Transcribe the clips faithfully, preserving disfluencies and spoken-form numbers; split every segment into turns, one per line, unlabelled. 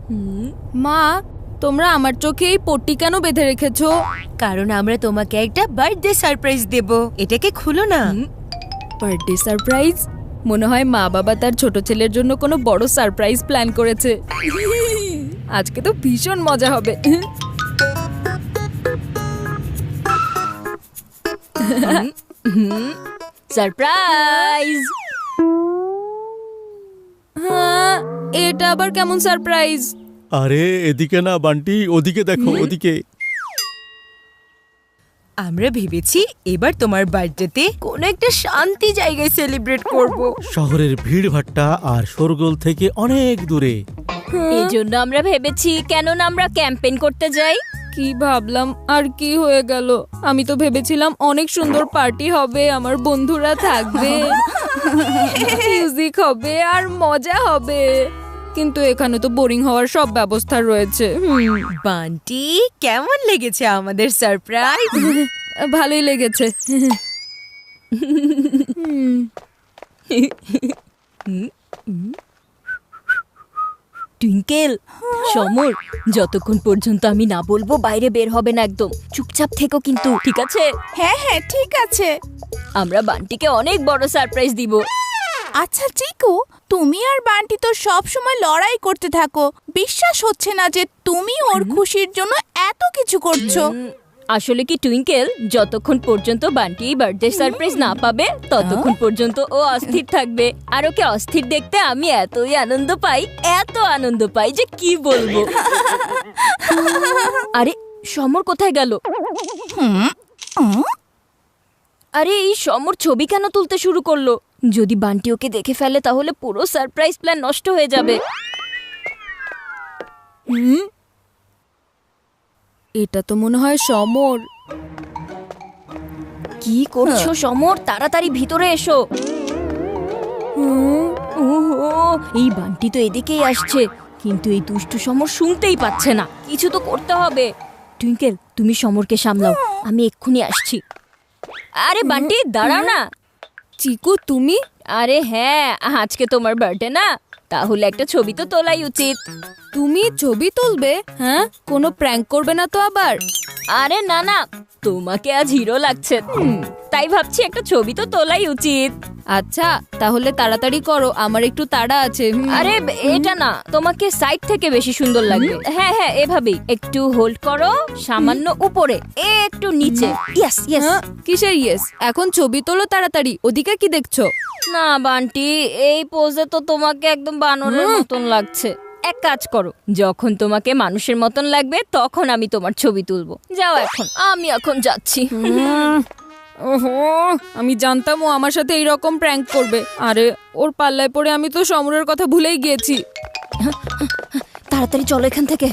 মা, তোমরা আমার চোখে এই পট্টি কেন বেঁধে রেখেছো?
কারণ আমরা তোমাকে একটা বার্থডে সারপ্রাইজ দেব। এটাকে খুলো না।
Birthday surprise? মনে হয় মা বাবা তার ছোট ছেলের জন্য কোনো বড় সারপ্রাইজ প্ল্যান করেছে। আজকে তো ভীষণ মজা হবে।
সারপ্রাইজ!
হ্যাঁ, এটা আবার কেমন সারপ্রাইজ?
আরে এদিকে না বান্টি, ওদিকে দেখো, ওদিকে।
আমরা ভেবেছি এবার তোমার বার্থডেতে কোনো একটা শান্তি জায়গায় সেলিব্রেট করব।
শহরের ভিড় ভাট্টা আর শোরগোল থেকে অনেক দূরে।
এই জন্য আমরা ভেবেছি কেন না আমরা ক্যাম্পেইন করতে যাই।
কি ভাবলাম আর কি হয়ে গেল। আমি তো ভেবেছিলাম অনেক সুন্দর পার্টি হবে, আমার বন্ধুরা থাকবে, মিউজিক হবে আর মজা হবে, কিন্তু এখানে তো বোরিং হওয়ার সব ব্যবস্থা রয়েছে।
বান্টি, কেমন লেগেছে আমাদের সারপ্রাইজ?
ভালোই লেগেছে।
টুইঙ্কেল, সমর, যতক্ষণ পর্যন্ত আমি না বলবো বাইরে বের হবে না, একদম চুপচাপ থেকো কিন্তু, ঠিক আছে?
হ্যাঁ হ্যাঁ ঠিক আছে।
আমরা বান্টিকে অনেক বড় সারপ্রাইজ দিব।
আচ্ছা চিকু, তুমি আর বান্টি তো সব সময় লড়াই করতে থাকো। বিশ্বাস হচ্ছে না যে তুমি ওর খুশির জন্য এত কিছু করছো।
আসলে কি টুইঙ্কেল, যতক্ষণ পর্যন্ত বান্টি বার্থডে সারপ্রাইজ না পাবে ততক্ষণ পর্যন্ত ও অস্থির থাকবে। আর ওকে অস্থির দেখতে আমি এতই আনন্দ পাই, এত আনন্দ পাই যে কি বলবো। আরে সমর কোথায় গেল? আরে এই সমর ছবি কেন তুলতে শুরু করলো? যদি বান্টি ওকে দেখে ফেলে তাহলে পুরো সারপ্রাইজ প্ল্যান নষ্ট হয়ে যাবে।
হুম, এটা তো মনে হয় সমর।
কি করছো সমর? তাড়াতাড়ি ভিতরে এসো। ওহো, এই বান্টি তো এদিকেই আসছে, কিন্তু এই দুষ্টু সমর শুনতেই পাচ্ছে না। কিছু তো করতে হবে। টুইঙ্কেল, তুমি সমরকে সামলাও, আমি এক্ষুনি আসছি। আরে বান্টি দাঁড়াও না।
চিকু তুমি?
আরে হ্যাঁ, আজকে তোমার বার্থডে না, তাহলে একটা ছবি তো তোলাই উচিত।
তুমি ছবি তুলবে? হ্যাঁ, কোনো প্র্যাঙ্ক করবে না তো আবার?
আরে না না, তোমাকে আজ হিরো লাগছে, তাই ভাবছি একটা ছবি তো তোলাই উচিত।
আচ্ছা তাহলে তাড়াতাড়ি করো, আমার একটু তাড়া আছে।
আরে এটা না, তোমাকে সাইড থেকে বেশি সুন্দর লাগবে। হ্যাঁ হ্যাঁ, এভাবেই একটু হোল্ড করো, সামান্য উপরে, একটু নিচে। Yes yes.
কিসের ইয়েস? এখন ছবি তোলো তাড়াতাড়ি। ওদিকে কি দেখছো?
না বান্টি, এই পোজে তো তোমাকে একদম বানরের মতন লাগছে। এক কাজ করো, যখন তোমাকে মানুষের মতন লাগবে তখন আমি তোমার ছবি তুলবো। যাও এখন, আমি এখন যাচ্ছি।
ওহো, আমি জানতাম ও আমার সাথে এইরকম প্র্যাঙ্ক করবে। আরে ওর পাল্লায় পড়ে আমি তো সমরের কথা ভুলেই গিয়েছি।
তাড়াতাড়ি চলো এখান থেকে।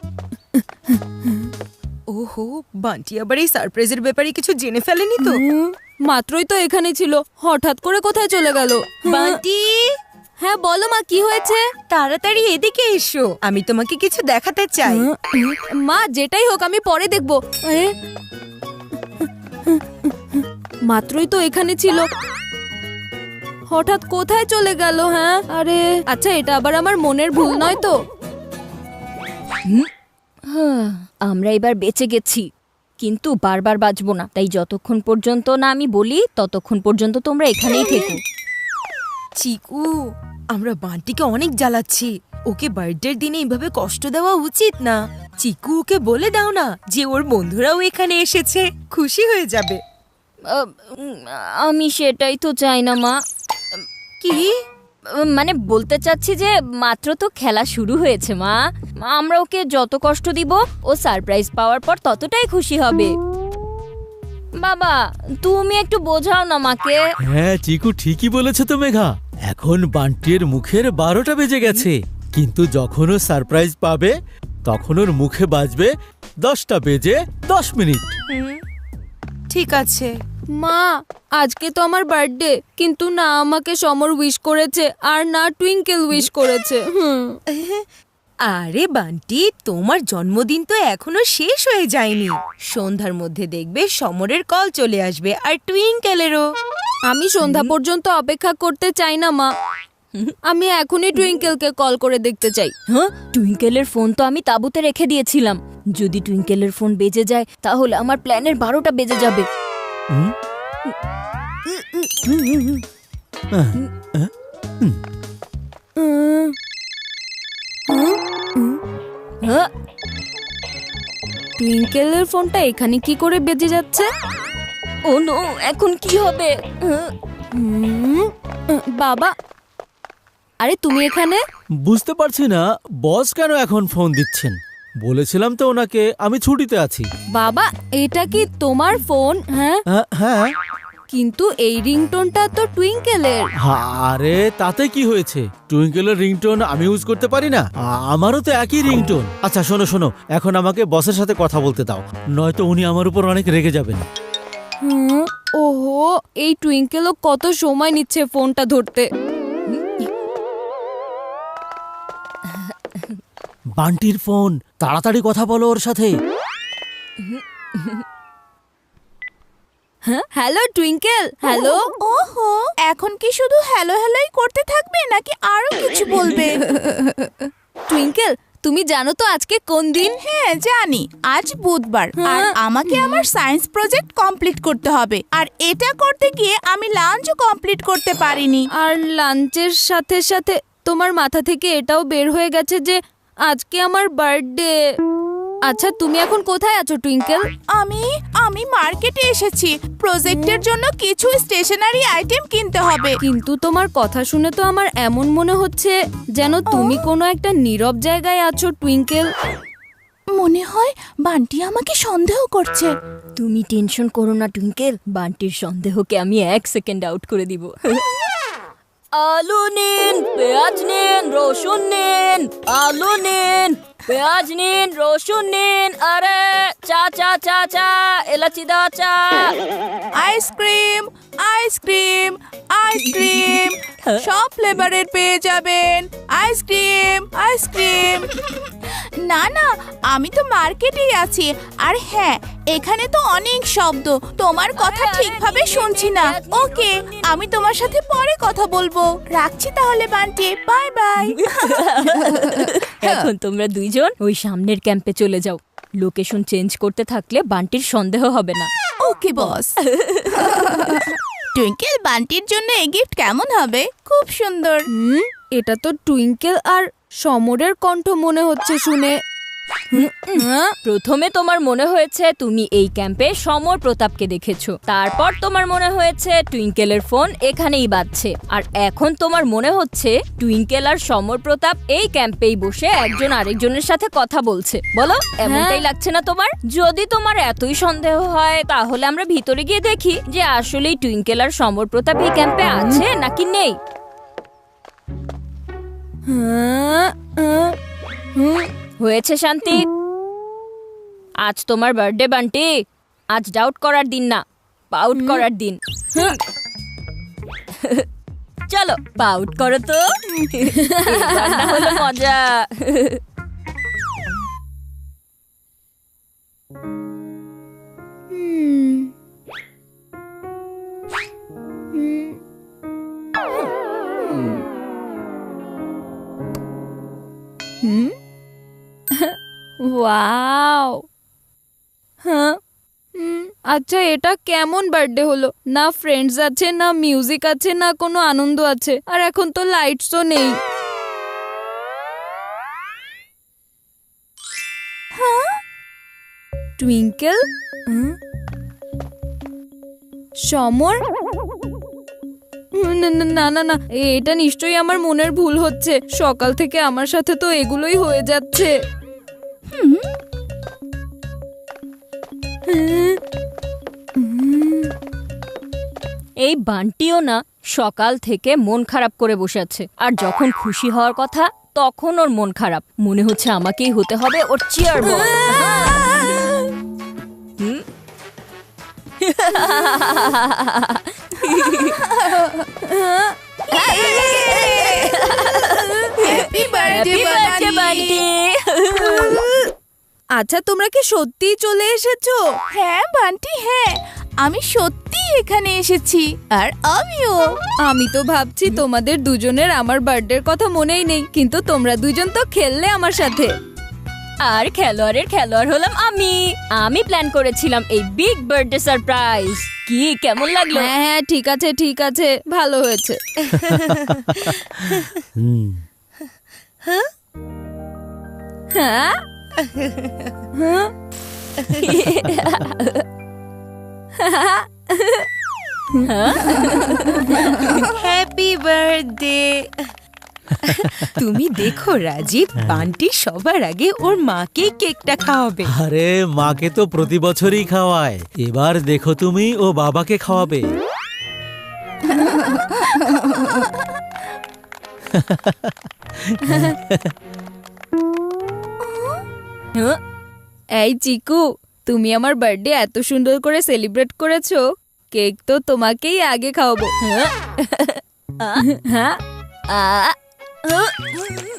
ওহো, বান্টি আবার এই সারপ্রাইজের ব্যাপারে কিছু জেনে ফেলেনি তো?
মাত্রই তো এখানে ছিল, হঠাৎ করে কোথায় চলে গেল?
বান্টি,
হ্যাঁ বলো মা, কি হয়েছে?
তাড়াতাড়ি এদিকে এসো, আমি তোমাকে কিছু দেখাতে চাই।
মা যেটাই হোক আমি পরে দেখবো। আরে মাত্রই তো এখানে ছিল, হঠাৎ কোথায় চলে গেল? হ্যাঁ, আরে আচ্ছা এটা আবার আমার মনের ভুল নয় তো?
আমরা এবার বেঁচে গেছি, কিন্তু বারবার বাঁচবো না, তাই যতক্ষণ পর্যন্ত না আমি বলি ততক্ষণ পর্যন্ত তোমরা এখানেই থেকো।
চিকু, আমরা বান্টিকে অনেক জ্বালাচ্ছি। ওকে বার্থডের দিনে এইভাবে কষ্ট দেওয়া উচিত না। চিকু, ওকে বলে দাও না যে ওর বন্ধুরাও এখানে এসেছে, খুশি হয়ে যাবে।
আমি সেটাই তো চাই না মা।
কি
মানে বলতে চাচ্ছি যে মাত্র তো খেলা শুরু হয়েছে মা, আমরা ওকে যত কষ্ট দিব ও সারপ্রাইজ পাওয়ার পর ততটাই খুশি হবে। বাবা তুমি একটু বোঝাও না মাকে।
হ্যাঁ চিকু, ঠিকই বলেছে তো মেঘা। এখন বান্টির মুখের বারোটা বেজে গেছে, কিন্তু যখন ও সারপ্রাইজ পাবে তখন ওর মুখে বাজবে দশটা বেজে দশ মিনিট।
ঠিক আছে
মা, আজকে তো আমার বার্থডে, কিন্তু না আমাকে সমর উইশ করেছে আর না টুইঙ্কেল উইশ করেছে। হুম,
আরে বান্টি, তোমার জন্মদিন তো এখনো শেষ হয়ে যায়নি। সন্ধ্যার মধ্যে দেখবে সমরের কল চলে আসবে, আর টুইঙ্কেলেরও।
আমি সন্ধ্যা পর্যন্ত অপেক্ষা করতে চাই না মা। আমি এখনই টুইঙ্কেলকে কল করে দেখতে চাই।
হ্যাঁ, টুইঙ্কেলের ফোন তো আমি তাঁবুতে রেখে দিয়েছিলাম। যদি টুইঙ্কেলের ফোন বেজে যায় তাহলে আমার প্ল্যানের বারোটা বেজে যাবে।
হুম? আহ, আহ,
হ্যাঁ,
টুইঙ্কেলের ফোনটা এখানে কি করে বেজে যাচ্ছে?
ও নো, এখন কি হবে? হ্যাঁ,
হুম, বাবা, আরে তুমি এখানে?
বুঝতে পারছি না বস কেন এখন ফোন দিচ্ছেন। বলেছিলাম তো ওনাকে আমি ছুটিতে আছি।
বাবা, এটা কি তোমার ফোন? হ্যাঁ,
হ্যাঁ, হ্যাঁ।
কিন্তু এই রিংটোনটা তো টুইঙ্কেলের।
আরে তাতে কি হয়েছে? টুইঙ্কেলের রিংটোন আমি ইউজ করতে পারি না? আ- আমারও তো একই রিংটোন। আচ্ছা শোনো শোনো, এখন আমাকে বসের সাথে কথা বলতে দাও, নয়তো উনি আমার উপর অনেক রেগে যাবেন।
হুম, ওহো, এই টুইঙ্কেলও কত সময় নিচ্ছে ফোনটা ধরতে।
বান্টির ফোন, তাড়াতাড়ি কথা বলো ওর সাথে।
হ্যাঁ, হ্যালো টুইঙ্কেল, হ্যালো।
ওহো, এখন কি শুধু হ্যালো হ্যালোই করতে থাকবে নাকি আরো কিছু বলবে?
টুইঙ্কেল, তুমি জানো তো আজকে কোন দিন?
হ্যাঁ জানি, আজ বুধবার আর আমাকে আমার সায়েন্স প্রজেক্ট কমপ্লিট করতে হবে। আর এটা করতে গিয়ে আমি লাঞ্চও কমপ্লিট করতে পারিনি।
আর লাঞ্চের সাথে সাথে তোমার মাথা থেকে এটাও বের হয়ে গেছে যে আজকে আমার বার্থডে। আচ্ছা, তুমি এখন কোথায় আছো টুইঙ্কেল?
আমি আমি মার্কেটে এসেছি, প্রজেক্টের জন্য কিছু স্টেশনারি আইটেম কিনতে হবে।
কিন্তু তোমার কথা শুনে তো আমার এমন মনে হচ্ছে যেন তুমি কোনো একটা নীরব জায়গায় আছো টুইঙ্কেল।
মনে হয় বান্টি আমাকে সন্দেহ করছে।
তুমি টেনশন করো না টুইঙ্কেল, বান্টির সন্দেহকে আমি এক সেকেন্ড আউট করে দিব। আলু নিন, পেঁয়াজ নিন, রসুন নিন, আলু নিন, পেঁয়াজ নিন, রসুন নিন, আরে চা চা চা চা, এলাচি দেওয়া চা।
আইসক্রিম আইসক্রিম আইসক্রিম সব ফ্লেভারের পেয়ে যাবেন। আইসক্রিম আইসক্রিম না না, আমি তো মার্কেটেই আছি। আর হ্যাঁ, এখানে তো অনেক শব্দ, তোমার কথা ঠিকভাবে শুনছি না। ওকে, আমি তোমার সাথে পরে কথা বলবো। রাখছি তাহলে বান্টি, বাই বাই।
এখন তোমরা দুইজন ওই সামনের ক্যাম্পে চলে যাও। লোকেশন চেঞ্জ করতে থাকলে বান্টির সন্দেহ হবে না।
ওকে বস। টুইঙ্কেল, বান্টির জন্য এই গিফট কেমন হবে? খুব সুন্দর।
হুম, এটা তো টুইঙ্কেল আর সমরের কণ্ঠ মনে হচ্ছে শুনে। হ্যাঁ,
প্রথমে তোমার মনে হয়েছে তুমি এই ক্যাম্পে সমর প্রতাপকে দেখেছো, তারপর তোমার মনে হয়েছে টুইঙ্কেলের ফোন এখানেই বাজছে, আর এখন তোমার মনে হচ্ছে টুইঙ্কেল আর সমর প্রতাপ এই ক্যাম্পেই বসে একজন আরেকজনের সাথে কথা বলছে। বলো, এমনটাই লাগছে না তোমার? যদি তোমার এতই সন্দেহ হয় তাহলে আমরা ভিতরে গিয়ে দেখি যে আসলেই টুইঙ্কেল আর সমর প্রতাপ এই ক্যাম্পে আছে নাকি নেই।
হ্যাঁ, হ্যাঁ, হুম।
হয়েছে শান্তি, আজ তোমার বার্থডে বান্টি। আজ ডাউট করার দিন না, পাউট করার দিন। চলো পাউট করো তো, এবার না হলো মজা।
হুম, ওয়াও। হ্যাঁ, হুম, আচ্ছা, এটা কেমন বার্থডে হলো? না ফ্রেন্ডস আছে, না মিউজিক আছে, না কোনো আনন্দ আছে, আর এখন তো লাইটসও নেই। টুইঙ্কেল, হুম, সমর, না না না না না, এটা নিশ্চয়ই আমার মনের ভুল হচ্ছে। সকাল থেকে আমার সাথে তো এগুলোই হয়ে যাচ্ছে।
এই বান্টিও না সকাল থেকে মন খারাপ করে বসে আছে, আর যখন খুশি হওয়ার কথা তখন ওর মন খারাপ। মনে হচ্ছে আমাকেই হতে হবে ওর চেয়ার বয়। হুম?
Happy birthday
Happy birthday,
Bunty.
Bunty.
আচ্ছা, তোমরা কি সত্যিই চলে এসেছো?
হ্যাঁ বান্টি, হ্যাঁ আমি সত্যি এখানে এসেছি আর আমিও।
আমি তো ভাবছি তোমাদের দুজনের আমার বার্থডের কথা মনেই নেই, কিন্তু তোমরা দুজন তো খেললে আমার সাথে।
আর খেলোয়াড়ের খেলোয়াড় হলাম আমি আমি প্ল্যান করেছিলাম এই বিগ বার্থডে সারপ্রাইজ। কি কেমন লাগলো?
হ্যাঁ হ্যাঁ ঠিক আছে ঠিক আছে, ভালো হয়েছে।
হুম
হ্যাঁ হ্যাঁ
হ্যাপি বার্থডে। তুমি দেখো রাজীব, বান্টি সবার আগে ওর মাকে কেকটা খাওয়াবে।
আরে মাকে তো প্রতি বছরই খাওয়ায়, এবার দেখো তুমি ও বাবাকে খাওয়াবে।
এই চিকু, তুমি আমার বার্থডে এত সুন্দর করে সেলিব্রেট করেছো, কেক তো তোমাকেই আগে খাওয়াবো। হ্যাঁ
আ, আ,